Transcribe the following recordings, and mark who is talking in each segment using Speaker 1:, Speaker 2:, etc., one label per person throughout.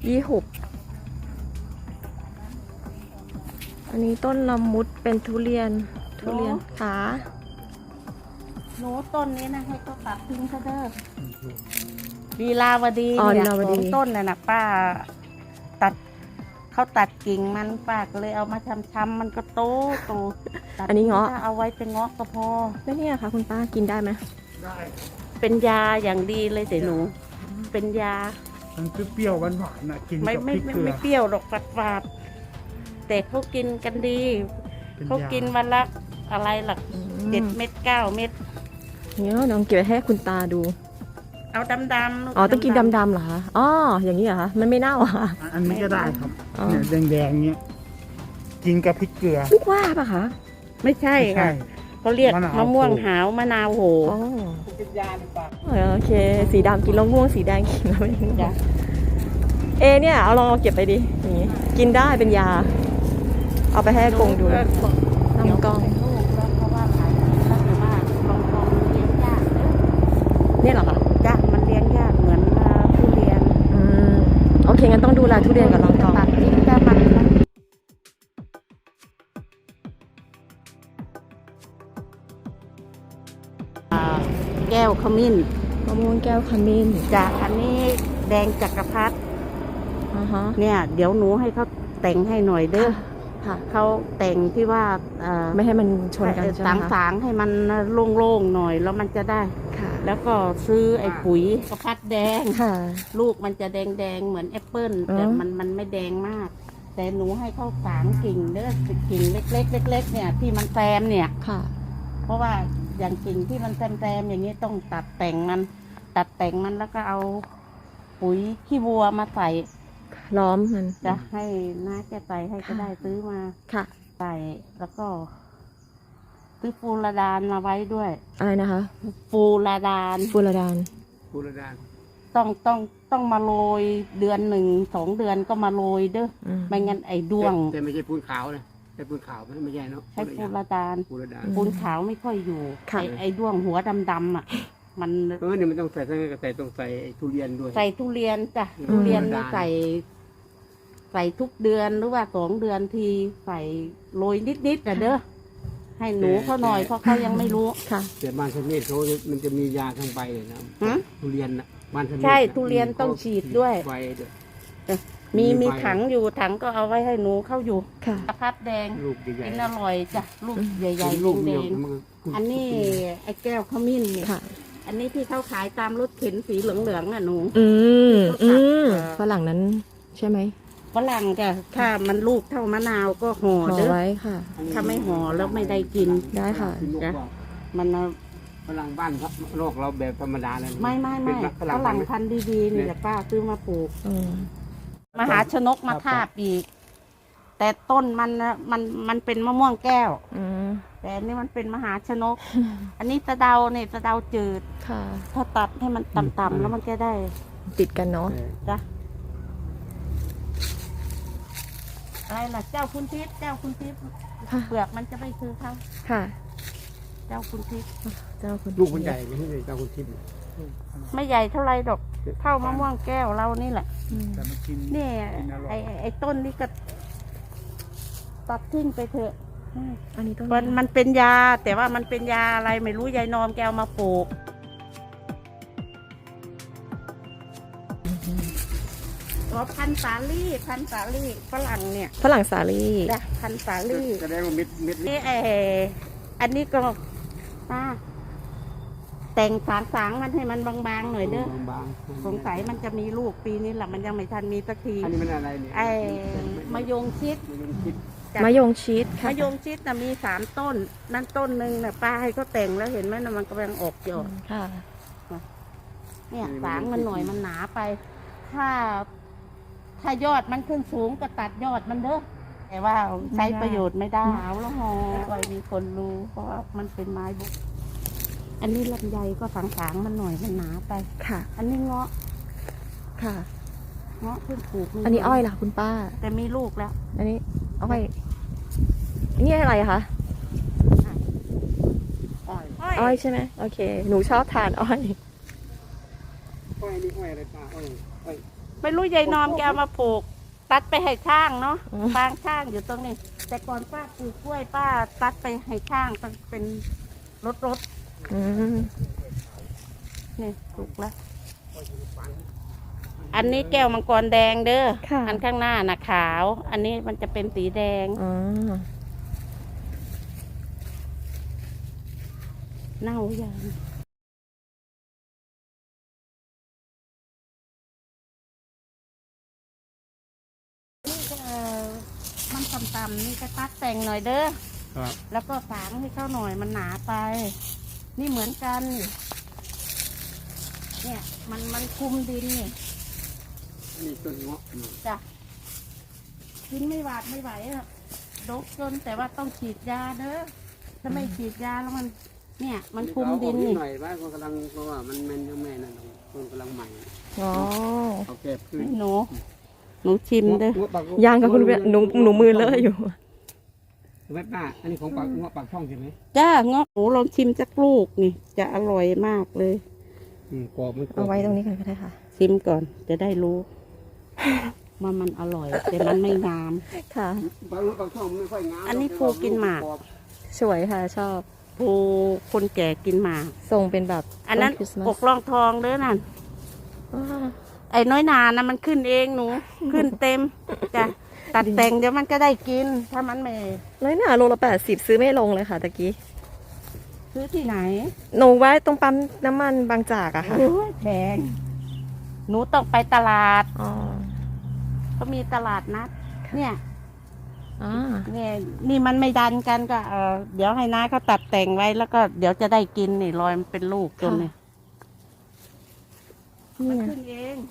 Speaker 1: 26อันนี้ต้นละมุดเป็นทุเรียนขา
Speaker 2: หนูต้นนี้นะให้เขาตัดทิ้งเขาเด้อลีลาวดี
Speaker 1: อ๋อ
Speaker 2: เนี่ย
Speaker 1: ลีลาวดี
Speaker 2: ของต้นน่ะนะป้าตัดเขาตัดกิ่งมันป้าก็เลยเอามาช้ำๆมันก็โตตัด
Speaker 1: อันนี้เงาะ
Speaker 2: ถ้เอาไว้เป็นเงาะก็พอ
Speaker 1: แล้วเนี่ยค่ะคุณป้ากินได้ไหม
Speaker 3: ได้
Speaker 2: เป็นยาอย่างดีเลยแต่หนู เป็นยา
Speaker 3: มันเปรี้ยวๆหวานๆนะกิน
Speaker 2: ไม่
Speaker 3: กับพ
Speaker 2: ไม่
Speaker 3: ริก
Speaker 2: ไม่
Speaker 3: เกลือ
Speaker 2: ไม่เปรี้ยวหรอกฝาดๆแต่เขากินกันดี
Speaker 3: เป็น
Speaker 2: เขา
Speaker 3: ยา
Speaker 2: กินวันละอะไรหลัก 7 เม็ด9 เม็ด
Speaker 1: เนี่ยลองเก็บให้คุณตาดู
Speaker 2: เอาดำๆลู
Speaker 1: อ๋อต้องกินดำๆเหรอคะอ๋ออย่างนี้เหรอคะมันไม่เน่าเหรอคะ
Speaker 3: อันนี้ก็ได้ครับ
Speaker 1: อ๋อ
Speaker 3: เนี่ยแดงๆเนี้ยกินกับพริกเกลือ
Speaker 1: ลูกว่าปะคะ
Speaker 2: ไม่ใช่
Speaker 3: ไม่ใช่
Speaker 2: ค่ะเขาเรียก
Speaker 3: มะนาว
Speaker 2: มะม่วง
Speaker 3: โห
Speaker 2: หาวมะนาวโห
Speaker 1: อ๋อ
Speaker 3: เป็นยาในปาก
Speaker 1: โอเค สีดำกินแล้วง่วงสีแดงกินแล้วไม่ง่วง
Speaker 2: จ้ะ
Speaker 1: เนี่ยเอาลองเอาเก็บไปดิอย่างนี้กินได้เป็นยา เอาไปให้อากงดู
Speaker 2: เดี๋ยว
Speaker 1: น้ำกล้อง
Speaker 2: เป็นลูกแล้วเพราะว่าหลายปีแล้วแต่ว่าลองเลี้ยงยากเด้อ
Speaker 1: เนี่ยเหรอคะ
Speaker 2: จ้ะมันเลี้ยงยากเหมือนทุเรียน
Speaker 1: อืมโอเคงั้นต้องดูแลทุเรียนกับลองกอง
Speaker 2: ตัดทิ้งแต่มันแก้วขมิ้น
Speaker 1: มะม่วงแก้วขมิ้น
Speaker 2: จากอันนี้แดงจักรพรรดิ
Speaker 1: อ่าฮะ
Speaker 2: เนี่ย เดี๋ยวหนูให้เขาแต่งให้หน่อยเด้อ
Speaker 1: ค่ะ
Speaker 2: เขาแต่งที่ว่า
Speaker 1: ไม่ให้มันชนกันใช่ไหมคะ
Speaker 2: สางๆให้มันโล่งๆหน่อยแล้วมันจะได้
Speaker 1: ค่ะ
Speaker 2: แล้วก็ซื้อไอ้ปุ๋ยกระพัดแดง
Speaker 1: ค่ะ
Speaker 2: ลูกมันจะแดงๆเหมือนแอปเปิ้ล
Speaker 1: อ๋อ
Speaker 2: แต่มันไม่แดงมาก แต่หนูให้เขาสางกิ่งเด้อกิ่งเล็กๆเล็กๆเนี่ยที่มันแซมเนี่ย
Speaker 1: ค่ะ
Speaker 2: เพราะว่าอย่างกิ่งที่มันแซมๆอย่างนี้ต้องตัดแต่งมันแล้วก็เอาปุ๋ยขี้วัวมาใส่
Speaker 1: ล้อมมัน
Speaker 2: จะให้น้าแกใส่ให้ก็ได้ซื้อมา
Speaker 1: ค่ะ
Speaker 2: ใส่แล้วก็ซื้อฟูราดานมาไว้ด้วย
Speaker 1: อะไรนะคะ
Speaker 2: ฟูราดาน
Speaker 1: ฟูรดาน
Speaker 3: บูรดาน
Speaker 2: ต้องมาโรยเดือน1 2 เดือนก็มาโรยเด้อ
Speaker 1: อืม
Speaker 2: ไม่งั้นไอ้ด้วง
Speaker 3: แต่ไม่ใช่ปูนขาวนะแต่ปูนขาวไม่ใช่เนาะ
Speaker 2: ใช้ฟูราดาน
Speaker 3: บูรดาน
Speaker 2: ปูนขาวไม่ค่อยอยู่
Speaker 1: ค่ะ
Speaker 2: ไอ้ด้วงหัวดำๆอ่ะ มัน
Speaker 3: เนี่ยมันต้องใส่ทั้งแต่ต้องใส่ทุเรียนด้วย
Speaker 2: ใส่ทุเรียนจ้ะ
Speaker 3: อืม
Speaker 2: ทุเรียนนี่ใส่ทุกเดือนหรือว่า2 เดือนทีใส่โรยนิดๆนะเด้อให้หนูเขาหน่อยเพราะเขายังไม่รู้
Speaker 1: ค่ะ
Speaker 3: แต่บ้านสมเด็จเขามันจะมียาทั้งใบเลยนะ
Speaker 2: หือ
Speaker 3: ทุเรียนนะบ้านสมเด็จ
Speaker 2: ใช่ทุเรียนต้องฉีดด้วย
Speaker 3: ใบด้วย
Speaker 2: มีถังอยู่ถังก็เอาไว้ให้หนูเข้าอยู่
Speaker 1: ค่ะ
Speaker 2: กระพัดแดง
Speaker 3: ลูกใหญ่
Speaker 2: กินอร่อยจ้ะลูกใหญ่ๆ
Speaker 3: ลูก
Speaker 2: แด
Speaker 3: เดียว
Speaker 2: ง
Speaker 3: มันก็
Speaker 2: ๆอันนี้ไอ้แก้วขมิ้นเนี่ย
Speaker 1: ค่ะ
Speaker 2: อันนี้ที่เขาขายตามรถเข็นสีเหลืองๆอ่ะหนู
Speaker 1: อืม
Speaker 2: ที่เขาตัด
Speaker 1: ฝรั่งนั้นใช่ไหม
Speaker 2: ฝรั่งจ้ะถ้ามันลูกเท่ามะนาวก็ห่อ
Speaker 1: ห่อ
Speaker 2: เด้อ
Speaker 1: ไว้ค่ะ
Speaker 2: ถ้าไม่ห่อแล้วไม่ได้กิน
Speaker 1: ได้ค่ะ
Speaker 2: จ้ะ มันเอา
Speaker 3: ฝรั่งบ้านโลกเราแบบธรรมดาเลย
Speaker 2: ไม่
Speaker 3: เป็น
Speaker 2: ฝรั่งพันธุ์ดีๆนี่แหละป้าซื้อมาปลูก
Speaker 1: อืม
Speaker 2: มหาชนกมาทาบอีก แต่ต้นมันน่ะมันเป็นมะม่วงแก้ว
Speaker 1: อืม
Speaker 2: แต่อันนี้มันเป็นมหาชนก อันนี้สะเดาเนี่ยสะเดาจืด
Speaker 1: ค่ะ
Speaker 2: ถ้าตัดให้มันต่ำๆแล้วมันจะได้
Speaker 1: ติดกันเนาะ
Speaker 2: จ้ะอะไรล่ะเจ้าคุณทิพย์เจ้าคุณทิพย์
Speaker 1: ค่ะ
Speaker 2: เปลือกมันจะไม่คือเขา
Speaker 1: ค่ะ
Speaker 2: เจ้าคุณทิพย์
Speaker 1: เจ้าคุณ
Speaker 3: ลูกมันใหญ่ไม่ใช่เจ้าคุณทิพย์
Speaker 2: ไม่ใหญ่เท่าไรดอกเท่ามะม่วงแก้วเรานี่แหละ
Speaker 1: อืม
Speaker 3: แต่มันกิน
Speaker 2: นี่
Speaker 3: กินอร่อย
Speaker 2: ไอ้ต้นนี้ก็ตัดทิ้งไปเถอะ
Speaker 1: อันนี้ต้น
Speaker 2: มันเป็นยา แต่ว่ามันเป็นยาอะไรไม่รู้ยายนอมแกเอามาปลูกอ๋อพันธุ์สาลี่ฝรั่งเนี่ย
Speaker 1: ฝรั่งสาลี่
Speaker 2: นะพันธุ์สาลี่
Speaker 3: แสดงว่าเม็ด
Speaker 2: นี่อันนี้ก็ป้าแต่งสางมันให้มันบางๆหน่อยเด้อบ
Speaker 3: าง
Speaker 2: สงสัยมันจะมีลูกปีนี้แหละมันยังไม่ทันมีสักที
Speaker 3: อันนี้มันอะไรเนี่ย
Speaker 2: ไอ้มะยงชิด
Speaker 3: มันคิด
Speaker 2: จ้ะ
Speaker 1: มะยงชิดค่ะ
Speaker 2: มะยงชิดนะมี3 ต้น นั่นต้นหนึ่งนะป้าให้เขาแต่งแล้วเห็นไหมนะมันกำลังออกยอด
Speaker 1: ค่ะ
Speaker 2: เนี่ยสางมันหน่อยมันหนาไป ถ้ายอดมันขึ้นสูงก็ตัดยอดมันเด้อแต่ว่าใช้ประโยชน์ไม่ได้เอาแล้วหอไว้มีคนรู้เพราะว่ามันเป็นไม้บุกอันนี้ลำไยก็สางๆมันหน่อยมันหนาไป
Speaker 1: ค่ะ
Speaker 2: อันนี้เงาะ
Speaker 1: ค่ะ
Speaker 2: เงาะเพิ่งปลูก
Speaker 1: อันนี้อ้อยล่ะคุณป้า
Speaker 2: แต่มีลูกแล้ว
Speaker 1: อันนี้อ้อยนี่อะไรคะ
Speaker 3: อ้อย
Speaker 1: อ้อยใช่ไหมโอเค หนูชอบทานอ้อย
Speaker 3: อ้อยนี่อ้อยอะไรป้าอ้อย
Speaker 2: ไม่รู้ยายนอมแกเอามาปลูก ตัดไปให้ช่างเนาะฟางช่างอยู่ตรงนี้ แต่ก่อนป้าปลูกกล้วยป้าตัดไปให้ช่างต้องเป็นรถ
Speaker 1: อืม
Speaker 2: นี่ปลูกแล้ว อันนี้แก้วมังกรแดงเด้อ
Speaker 1: ค่ะ
Speaker 2: อันข้างหน้าน่ะขาว อันนี้มันจะเป็นสีแดง
Speaker 1: อ๋อ
Speaker 2: เน่าอย่างนี่ก็มันต่ำๆนี่ก็ตัดแต่งหน่อยเด้อ
Speaker 3: ครับ
Speaker 2: แล้วก็ฝางให้เข้าหน่อยมันหนาไป นี่เหมือนกัน เนี่ยมันคุมดินนี่
Speaker 3: นี่ต้นเงาะ
Speaker 2: จ้ะกินไม่หวาดไม่ไหวอะดกจนแต่ว่าต้องฉีดยาเด้อถ้าไม่ฉีดยาแล้วมัน เนี่ย มันคุมดิน
Speaker 3: นี่
Speaker 2: นี่
Speaker 3: หน่อยว่าคนกำลังเพราะว่ามันยังไม่นั่นคนกำลังใหม่
Speaker 1: อ๋อ
Speaker 3: เขาแก้พื้น
Speaker 2: หนูชิมเด้อ
Speaker 1: ยังกับคุณเวียหนูมือเลอะอยู่
Speaker 3: แม่ป้าอันนี้ของปากเงาะปากช่องใช่ไหม
Speaker 2: จ้าเงาะหนูลองชิมสักลูกนี่ จะอร่อยมากเลย
Speaker 3: กรอบมันกรอบ
Speaker 1: เอาไว้ตรงนี้กันก็ได้ค่ะ
Speaker 2: ชิมก่อนจะได้รู้ว่ามันอร่อย แต่มันไม่งาม
Speaker 1: ค่ะ
Speaker 3: ปากเงาะปากช่องไม่ค่อยงาม
Speaker 2: อันนี้ภูกินหมาก
Speaker 1: สวยค่ะชอบ
Speaker 2: ผู้คนแก่กินหมาก
Speaker 1: ทรงเป็นแบบ
Speaker 2: อันนั้น
Speaker 1: ต้คริสต์มา
Speaker 2: อ
Speaker 1: ส
Speaker 2: กรองทองเด้อนั่น
Speaker 1: อ่า
Speaker 2: ไอ้น้อยนานะมันขึ้นเองหนู ขึ้นเต็มจ้ะตัดแต่งเดี๋ยวมันก็ได้กิน ถ้ามันไม่
Speaker 1: น้อยหนาโลละ80ซื้อไม่ลงเลยค่ะตะกี้
Speaker 2: ซื้อที่ไหน
Speaker 1: หนูไว้ตรงปั๊มน้ำมันบางจากอะค่ะ
Speaker 2: โอ้ยแพงหนูต้องไปตลาด
Speaker 1: อ๋อ
Speaker 2: เขามีตลาดนัด เนี่ย
Speaker 1: อ่า
Speaker 2: เนี่ยนี่มันไม่ดันกันก็เดี๋ยวให้น้าเขาตัดแต่งไว้แล้วก็เดี๋ยวจะได้กินนี่รอยมันเป็นลูกจนเนี่ยมัน
Speaker 1: นี่
Speaker 2: ขึ้นเอง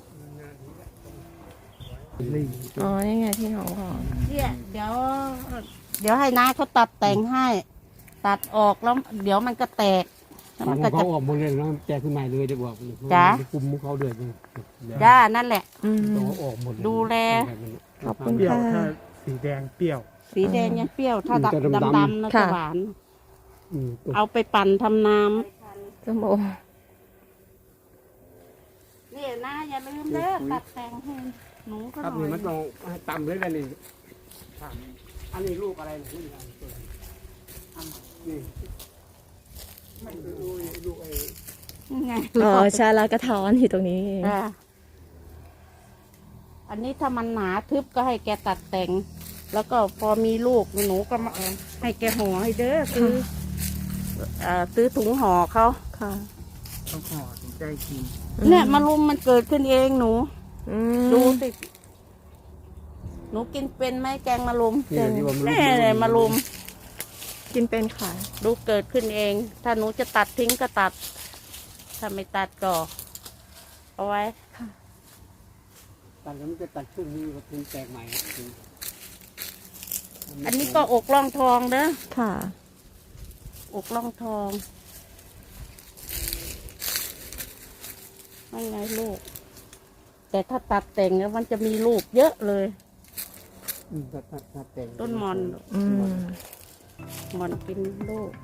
Speaker 1: อ๋อนี่ไงที่น้องบอก
Speaker 2: เนี่ยเดี๋ยวให้น้าเขาตัดแต่งให้ ตัดออกแล้ว เดี๋ยวมันก็แตกแล้ว
Speaker 3: มั
Speaker 2: มัน น
Speaker 3: ก็
Speaker 2: ก็
Speaker 3: จะ
Speaker 2: จะ
Speaker 3: ออกหมดเลยแล้วแก้ขึ้นใหม่เลยจะบอก
Speaker 2: จ๊ะ
Speaker 3: คุมเขาด้วย
Speaker 2: จ้านั่นแหละ
Speaker 1: อืม
Speaker 3: ตัวออกหมด
Speaker 2: ดูแล
Speaker 1: ขอบคุณ
Speaker 3: เปรี้ยว
Speaker 1: ค่ะ
Speaker 3: ถ้าสีแดงเปรี้ยว
Speaker 2: สีแดงยังเปรี้ยว ถ้า
Speaker 3: จะดำๆ
Speaker 2: ดำๆนะ
Speaker 1: ค่ะ
Speaker 2: จะหวาน
Speaker 3: ตัว
Speaker 2: เอาไปปั่นทำน้
Speaker 1: ส้มโอ
Speaker 2: ำนี่นะอย่าลืมเด้อตัดแต่งให้หนูก็ห
Speaker 3: ครับ
Speaker 2: น่
Speaker 3: นี่
Speaker 2: อย
Speaker 3: มันต้องต่ำเลยนะนี่อันนี้ลูกอะไรนี่นี่ไม่รู้ลูกไอ้
Speaker 2: นี่ไง
Speaker 1: อ๋อใช่แล้วกระท้อนอยู่ตรงนี้
Speaker 2: อ่าอันนี้ถ้ามันหนาทึบก็ให้แกตัดแต่ง แล้วก็พอมีลูกหนูก็มาให้แกห่อให้เด้อซื้อถุงห่อเขา
Speaker 1: ค่ะ
Speaker 3: ต้องห่อถึงใจกิน
Speaker 2: เนี่ยมะรุมมันเกิดขึ้นเองหนู
Speaker 1: อืม
Speaker 2: ดูสิหนูกินเป็นไหมแกงมะรุม
Speaker 3: นี่ที่ว่า
Speaker 2: แน่เลยมะรุม
Speaker 1: กินเป็นค่ะ
Speaker 2: ดูเกิดขึ้นเอง ถ้าหนูจะตัดทิ้งก็ตัด ถ้าไม่ตัดก็เอาไว้
Speaker 3: ตัดแล้วมันจะตัดช่วงนี้ก็ถึงแตกใหม่
Speaker 2: อันนี้ก็อกล่องทองเด้อ
Speaker 1: ค่ะ
Speaker 2: อกล่องทองไม่ไงลูก แต่ถ้าตัดแต่งแล้วมันจะมีลูกเยอะเลย
Speaker 3: ตัดแต่ง
Speaker 2: ต้นมอน
Speaker 1: อืม
Speaker 2: มอนกินลูก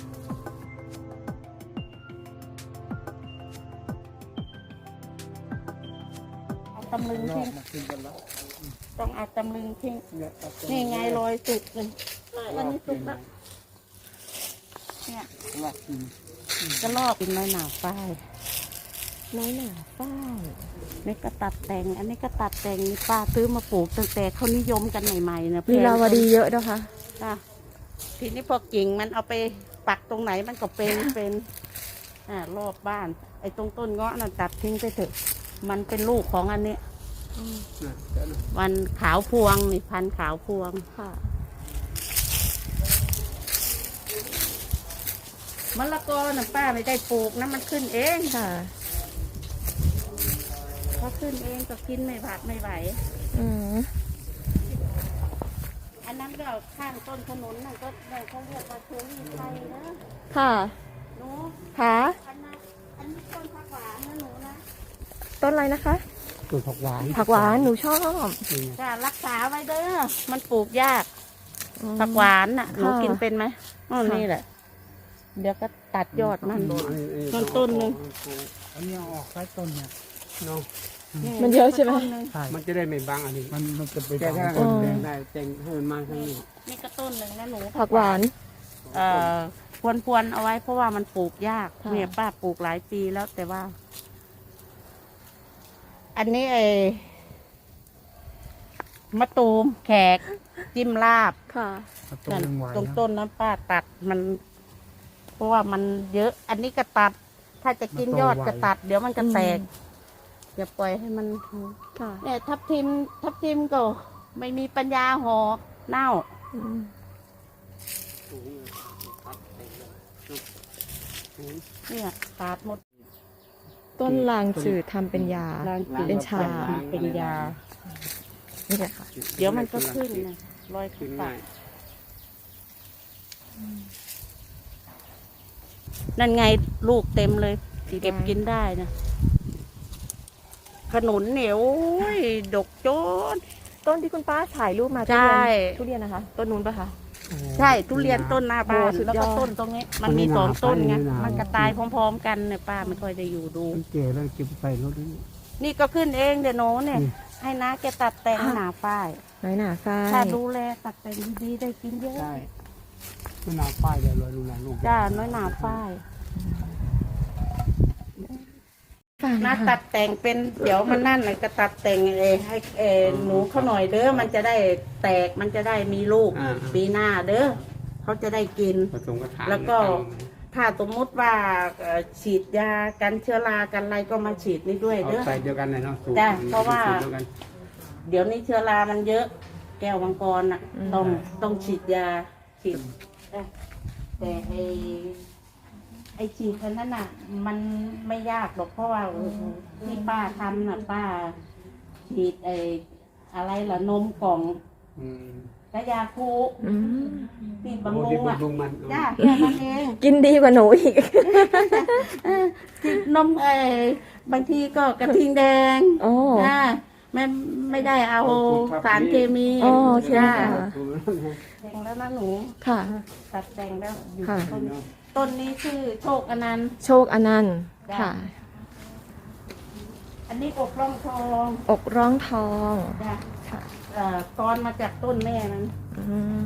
Speaker 2: เอาตำลึงทิ้ง
Speaker 3: มากินกันแล้ว
Speaker 2: ต้องเอาตำลึงทิ้ง
Speaker 3: เนี่ยตัดแต่ง
Speaker 2: นี่ไงรอยสุกเลยอันนี้สุกแล้วเนี่ย
Speaker 3: ลอกกิน
Speaker 2: ก็ลอกเป็นไม้หนาฝ้าย
Speaker 1: น้อยหนาฝ้าย
Speaker 2: นี่ก็ตัดแต่ง อันนี้ก็ตัดแต่งป้าซื้อมาปลูกตั้งแต่เขานิยมกันใหม่ๆนะ
Speaker 1: ลีลาวดีเยอะนะคะ
Speaker 2: จ้ะทีนี้พอกิ่งมันเอาไปปักตรงไหนมันก็เป็นรอบบ้าน ไอ้ตรงต้นเงาะนั่นตัดทิ้งไปเถอะ มันเป็นลูกของอันนี้ มันขาวพวงนี่พันธุ์ขาวพวง
Speaker 1: ค่ะ
Speaker 2: มะละกอน่ะป้าไม่ได้ปลูกนะมันขึ้นเอง
Speaker 1: ค่ะ
Speaker 2: พอขึ้นเองก็กินไม่ผัดไม่ไหว
Speaker 1: อืม
Speaker 2: อันนั้นก็ข้างต้นถนนนั่นก็เขาเรียกว่าเชอรี่ไทยนะ
Speaker 1: ค่ะ
Speaker 2: หนู
Speaker 1: ค่ะ
Speaker 2: อันนี้ต้นผักหวานนะหนูนะ
Speaker 1: ต้นอะไรนะคะ
Speaker 3: ต้นผักหวาน
Speaker 1: ผักหวานหนูชอบ
Speaker 2: จะรักษาไว้เด้อมันปลูกยาก
Speaker 1: อืม
Speaker 2: ผักหวานน่ะหนู
Speaker 1: ค่ะ
Speaker 2: กินเป็นไหมอ๋อ
Speaker 1: ค่ะ
Speaker 2: นี่แหละ เดี๋ยวก็ตัดยอดมัน
Speaker 3: ต้น
Speaker 2: ต้นหนึ่ง
Speaker 3: อันนี้ออกใต้ต้นเนี่ยน้อง
Speaker 1: มันเยอะใช่ไหม
Speaker 2: ต้นนึ่ง
Speaker 3: ใช่มันจะได้ไม่บังอันนี้มันจะไปแก้ถ้า
Speaker 1: อ๋อ
Speaker 3: แดงได้แจงให้มันมาทางนี้
Speaker 2: นี่ก็ต้นหนึ่งนะหนู
Speaker 1: ผักหวาน
Speaker 2: พวนเอาไว้เพราะว่ามันปลูกยาก
Speaker 1: ค่ะ
Speaker 2: เนี่ยป้าปลูกหลายปีแล้วแต่ว่า อันนี้มะตูมแขกจิ้มลาบ
Speaker 1: ค่ะ
Speaker 3: ตรงไหว
Speaker 2: ตรงต้นน้ำป้าตัดมัน เพราะว่ามันเยอะ อันนี้ก็ตัด ถ้าจะกินยอดก็ตัด เดี๋ยวมันก็แตกอย่าปล่อยให้มัน
Speaker 1: ค่ะ
Speaker 2: เนี่ยทับทิมก็ไม่มีปัญญาห่อเน่า
Speaker 1: อืม
Speaker 2: เนี่ยตัดหมด
Speaker 1: ต้นลางจืดทำเป็นยา
Speaker 2: ล้างจืด
Speaker 1: เป็นชา
Speaker 2: เป็นยา
Speaker 1: นี่แหละค่ะ
Speaker 2: เดี๋ยวมันก็ขึ้นนะรอย
Speaker 3: ขึ้
Speaker 2: ขึ้
Speaker 3: น
Speaker 2: น
Speaker 3: ง่าย
Speaker 2: นั่นไงลูกเต็มเลย เก็บกินได้นะขนุนเหนียวดกโจน
Speaker 1: ต้นที่คุณป้าถ่ายรูปมา
Speaker 2: ใช่
Speaker 1: ทุเรียนนะคะ ต้นนู้นปะคะ
Speaker 2: ใช่ทุเรียนต้นหน้าบ้าน
Speaker 1: โอ้สุดยอด
Speaker 2: แล้วก็ต้นตรงนี้ มันมีสองต้นไงมันกระตายพร้อมๆกันเนี่ยป้าไม่ค่อยได้อยู่ดู
Speaker 3: มันเจ๋แล้วเก็บไปรถนี่
Speaker 2: นี่ก็ขึ้นเองเดี๋ยวโน้นเนี่ย
Speaker 3: อืม
Speaker 2: ให้น้าแกตัดแต่งหนาป้าย
Speaker 1: น้อยหนาฝ้าย
Speaker 2: ถ้าดูแลตัดแต่งดีๆได้กินเยอะ
Speaker 3: ใช่ลูกนาป้ายเดี๋ยวเราดูนาลูก
Speaker 2: จ้าน้อยหนาป้าย
Speaker 1: ฝ้าย
Speaker 2: น้า
Speaker 1: ค่ะ
Speaker 2: ตัดแต่งเป็นเดี๋ยวมันนั่นน่ะก็ตัดแต่งให้หนูเขาหน่อยเด้อมันจะได้แตกมันจะได้มีลูกปีหน้าเด้อเขาจะได้กิน
Speaker 3: ผสมกระถาง
Speaker 2: แล้วก็ ถ้าสมมุติว่าฉีดยากันเชื้อรากันอะไรก็มาฉีดนี่ด้วย
Speaker 3: เอา
Speaker 2: เด้อ
Speaker 3: ใส่เดียวกันเลยเนาะสูต
Speaker 2: จ้ะเพราะว่า
Speaker 3: สูตเดียวกัน
Speaker 2: เดี๋ยวนี้เชื้อรามันเยอะ แก้วมังกรน่ะต้องฉีดยาฉีดแต่ไอฉีดอันนั้นน่ะ มันไม่ยากหรอกเพราะว่าที่ป้าทำน่ะป้า ฉีดอะไรล่ะนมกล่อง
Speaker 3: อืม
Speaker 2: กระยาคู
Speaker 1: อืม
Speaker 2: ที่
Speaker 3: โอ้
Speaker 2: บำรุ
Speaker 3: ที่
Speaker 2: งอ่ะ
Speaker 3: บำรุงมัน
Speaker 2: จ้าแค่นั้นเอง
Speaker 1: กินดีกว่าหนูอีก
Speaker 2: ฉีดนมบางทีก็กระทิงแดง
Speaker 1: โอ้
Speaker 2: ไม่ได้เอาสารเคมี
Speaker 1: อ๋อโอเค
Speaker 2: จ้า
Speaker 1: ค่ะ
Speaker 2: แต่งแล้วนะหนู
Speaker 1: ค่ะ
Speaker 2: ตัดแต่งแล้วอยู่
Speaker 1: ค่ะ
Speaker 2: ต้นนี้ชื่อโชคอนันต์
Speaker 1: โชคอนันต์
Speaker 2: จ้ะ
Speaker 1: ค่ะ
Speaker 2: อันนี้อกร่องทอง
Speaker 1: อกร้องทอง
Speaker 2: จ้ะ
Speaker 1: ค่ะ
Speaker 2: ตอนมาจากต้นแม่มัน
Speaker 1: อืม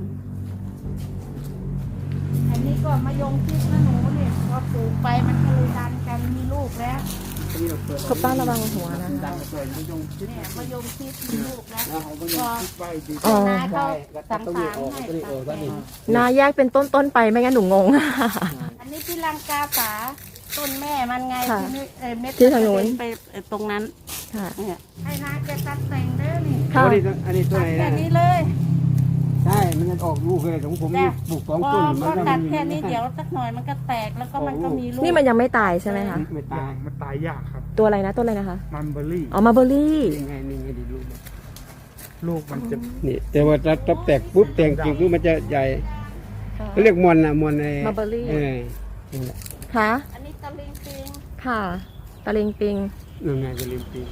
Speaker 2: อันนี้ก็มะยงชิดนะหนูเนี่ยพอปลูกไปมันก็เลยดันกันมีลูกแล้ว
Speaker 1: คุณป้าระวังหัวนะคะ
Speaker 3: ดังเปิดมะยงชิด
Speaker 2: เนี่ยมะยงชิดมีลูกแล้ว
Speaker 3: นะเอามะยงชิดไว้ดี
Speaker 1: อ๋อ
Speaker 2: น้าเขา
Speaker 3: แล้วก็
Speaker 2: สั่ง
Speaker 3: ต้อง
Speaker 2: สา
Speaker 3: เรียก
Speaker 2: ร
Speaker 3: ออก
Speaker 2: ให้
Speaker 3: ก็เรียกออกก็นี่
Speaker 1: นาแยกเป็นต้นๆไปไม่งั้นหนูงง
Speaker 2: อันนี้ที่ลังกาฝาต้นแม่มันไง
Speaker 1: ค่ะ
Speaker 2: ที่นี่เม็ด
Speaker 1: ที่ทางนู้น
Speaker 2: ไปตรงนั้น
Speaker 1: ค่ะ
Speaker 2: เนี่ยให้น้าแกตัดแต่งเด้อนี่
Speaker 1: ค่ะ
Speaker 3: อันนี้ตัว
Speaker 2: ตัด
Speaker 3: ไหน
Speaker 2: แค่
Speaker 3: นะ
Speaker 2: นี้เลย
Speaker 3: ใช่ มันจะออกลูกเลยของผม
Speaker 2: จ้ะ
Speaker 3: ปลูกสอง
Speaker 2: พอ
Speaker 3: ต้น
Speaker 2: พอตัดแค่นี้เดี๋ยวสักหน่อยมันก็แตกแล้วก็มันก็มีลูก
Speaker 1: นี่มันยังไม่ตายใช่ไหมคะ
Speaker 3: ไม่ตายมันตายยากครับ
Speaker 1: ตัวอะไรนะต้นอะไรนะคะ
Speaker 3: มันเบอร์รี่
Speaker 1: อ๋อมาเบอร์รี่
Speaker 3: นี่ไงดีลูกลูกมันจะนี่แต่ว่าถ้าแตกปุ๊บแตกจริงปุ๊บมันจะใหญ่เขาเรียกมอนนะมอนไอ้
Speaker 1: มาเบอร์รี่
Speaker 3: นี่แหละ
Speaker 1: ค่ะ
Speaker 2: อันนี้ตะลิงปิง
Speaker 1: ค่ะตะลิงปิง
Speaker 3: นั่นไงจะลืมปี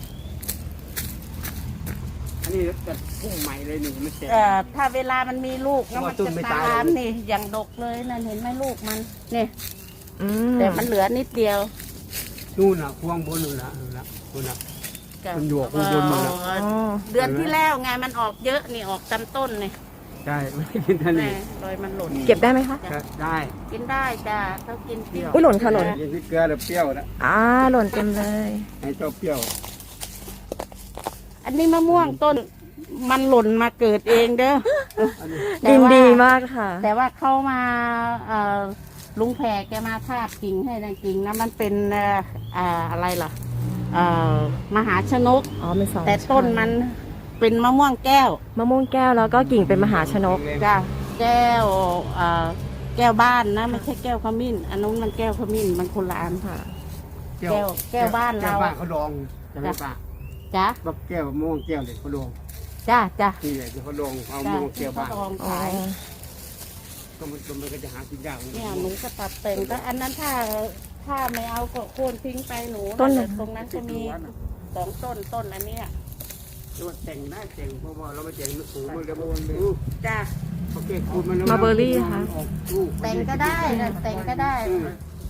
Speaker 3: อันนี้จะพุ่งใหม่เลยนี่มันแตก
Speaker 2: ถ้าเวลามันมีลูกแล้วมัน
Speaker 3: ต้
Speaker 2: จะ
Speaker 3: นไม่
Speaker 2: ตา
Speaker 3: ตาย
Speaker 2: มนี่อย่างดกเลยนั่นเห็นไหมลูกมันเนี่ย
Speaker 1: อืม
Speaker 2: แต่มันเหลือนิดเดียว
Speaker 3: นู่นน่ะพวงบนนู่นน่ะนู่นน่ะ มันอยู่ข้างบนมันน่ะ
Speaker 1: อ๋อ
Speaker 2: เดือนที่แล้วไงมันออกเยอะนี่ออกจำต้นนี่
Speaker 3: ใช่ไม่กินท่าน
Speaker 2: แม่
Speaker 3: นี่
Speaker 2: โดยมันหล่น
Speaker 1: เก็บได้ไหมคะ
Speaker 3: ได้
Speaker 2: กินได้จ้าเขากินเปรี้ยว
Speaker 1: อุ๊ยหล่นค่ะหล่น
Speaker 3: กินพริกเกลือแล้วเปรี้ยวนะ
Speaker 1: หล่นเต็มเลย
Speaker 3: ให้เจ้าเปรี้ยว
Speaker 2: อันนี้มะม่วงต้นมันหล่นมาเกิดเองเด้อ แต่
Speaker 1: ดิน
Speaker 2: ว่า
Speaker 1: ดีมากค่ะ
Speaker 2: แต่ว่าเข้ามาลุงแพรแกมาทาบกิ่งให้นะกิ่งนะมันเป็นอะไรล่ะมหาชนก
Speaker 1: อ๋อเป็นสอง
Speaker 2: แต่ต้นมันเป็นมะม่วงแก้ว
Speaker 1: มะม่วงแก้วแล้วก็กิ่งเป็นมหาชนก
Speaker 2: จ้ะแก้วแก้วบ้านนะไม่ใช่แก้วขมิ้น อันนู้นมันแก้วขมิ้นมันคนละอัน
Speaker 1: ค่ะ
Speaker 2: แก้วบ้านเรา
Speaker 3: แก้วบ้านเขาดองจะไม่ปะ
Speaker 2: จ้ะ
Speaker 3: แบบแก้วมะม่วงแก้วเลยเขาดอง
Speaker 2: จ้ะจ้ะ
Speaker 3: นี่แหละที่เขาดองเอามะ
Speaker 2: จ้ะ
Speaker 3: ม่วงแก้วบ้าน
Speaker 2: ที่เขลอง
Speaker 1: อ๋อ
Speaker 2: ขาย
Speaker 3: ก็มันก็จะหากินยาก
Speaker 2: เนี่ยหนูก็ตัดแต่งแต่อันนั้นถ้าไม่เอาก็โค่นทิ้งไปหนู
Speaker 1: ต้น
Speaker 2: แต่ตรงนั้นจะมี2 ต้นอันเนี้ย
Speaker 3: ตัวแต่งได้แต่งเพราะว่าเราไม่แต่งสูงมันจะมัน
Speaker 2: จ้ะ
Speaker 3: โอเคคุณมัน
Speaker 1: มาเบอร์รี่ค่ะ
Speaker 3: ออกลูก
Speaker 2: แต่งก็ได้นะแต่งก็ได้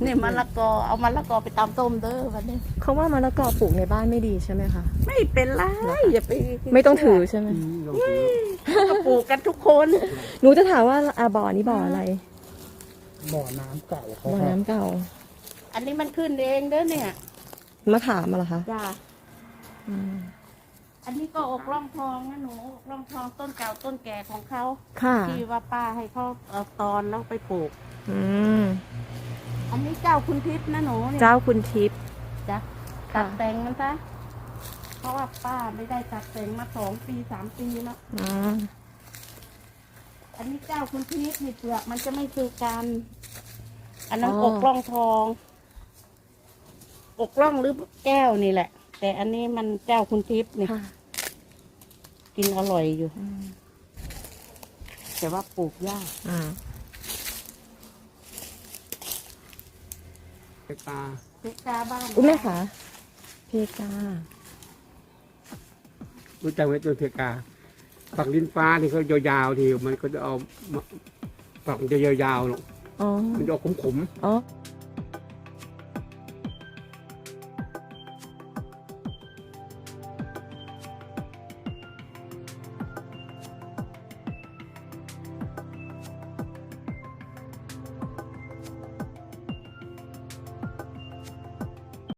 Speaker 2: นี่มะละกอเอามะละกอไปตำต้มเด้อวันนี้
Speaker 1: เขาว่ามะละกอปลูกในบ้านไม่ดีใช่ไหมคะ
Speaker 2: ไม่เป็นไรอย่าไป
Speaker 1: ไม่ต้องถือใช่ไหม
Speaker 3: ลองดู
Speaker 2: ก็ปลูกกันทุกคน
Speaker 1: หนูจะถามว่าบ่อนี้บ่ออะไร
Speaker 3: บ่อน้ำเก่าเขา
Speaker 1: บ่อ
Speaker 3: ครับ
Speaker 1: น้ำเก่า
Speaker 2: อันนี้มันขึ้นเองเด้อเนี่ย
Speaker 1: มะขามมาเหรอคะ
Speaker 2: จ้า
Speaker 1: อืม
Speaker 2: อันนี้ก็อกร่องทองนะหนูอกร่องทองต้นเก่าต้นแก่ของเขา
Speaker 1: ค่ะ
Speaker 2: ที่ว่าป้าให้เขาเอาตอนแล้วไปปลูก
Speaker 1: อืม
Speaker 2: อันนี้เจ้าคุณทิพย์นะหนูเนี่ย
Speaker 1: เจ้าคุณทิพย์
Speaker 2: จ้ะ
Speaker 1: ค่ะ
Speaker 2: ตัดแต่งมันซะเพราะว่าป้าไม่ได้ตัดแต่งมา2 ปี3 ปีแล้ว
Speaker 1: อ๋อ
Speaker 2: อันนี้เจ้าคุณทิพย์นี่เปลือกมันจะไม่คือกัน อันนั้นอกร่องทอง อกร่องหรือแก้วนี่แหละ แต่อันนี้มันเจ้าคุณทิพย์นี่
Speaker 1: ค่ะ
Speaker 2: กินอร่อยอยู่
Speaker 1: อืม
Speaker 2: แต่ว่าปลูกยาก
Speaker 1: อ่า
Speaker 3: เพกา
Speaker 2: เพกาบ้าน
Speaker 1: อุ้ยแม่คะเพกา
Speaker 3: รู้จักไหมต้นเพกาฝักลิ้นฟ้านี่เขายาวๆทีมันก็จะเอาฝักมันจะยาวๆหรอก
Speaker 1: อ๋อ
Speaker 3: มันจะออกขม
Speaker 1: อ๋อ
Speaker 3: ๆ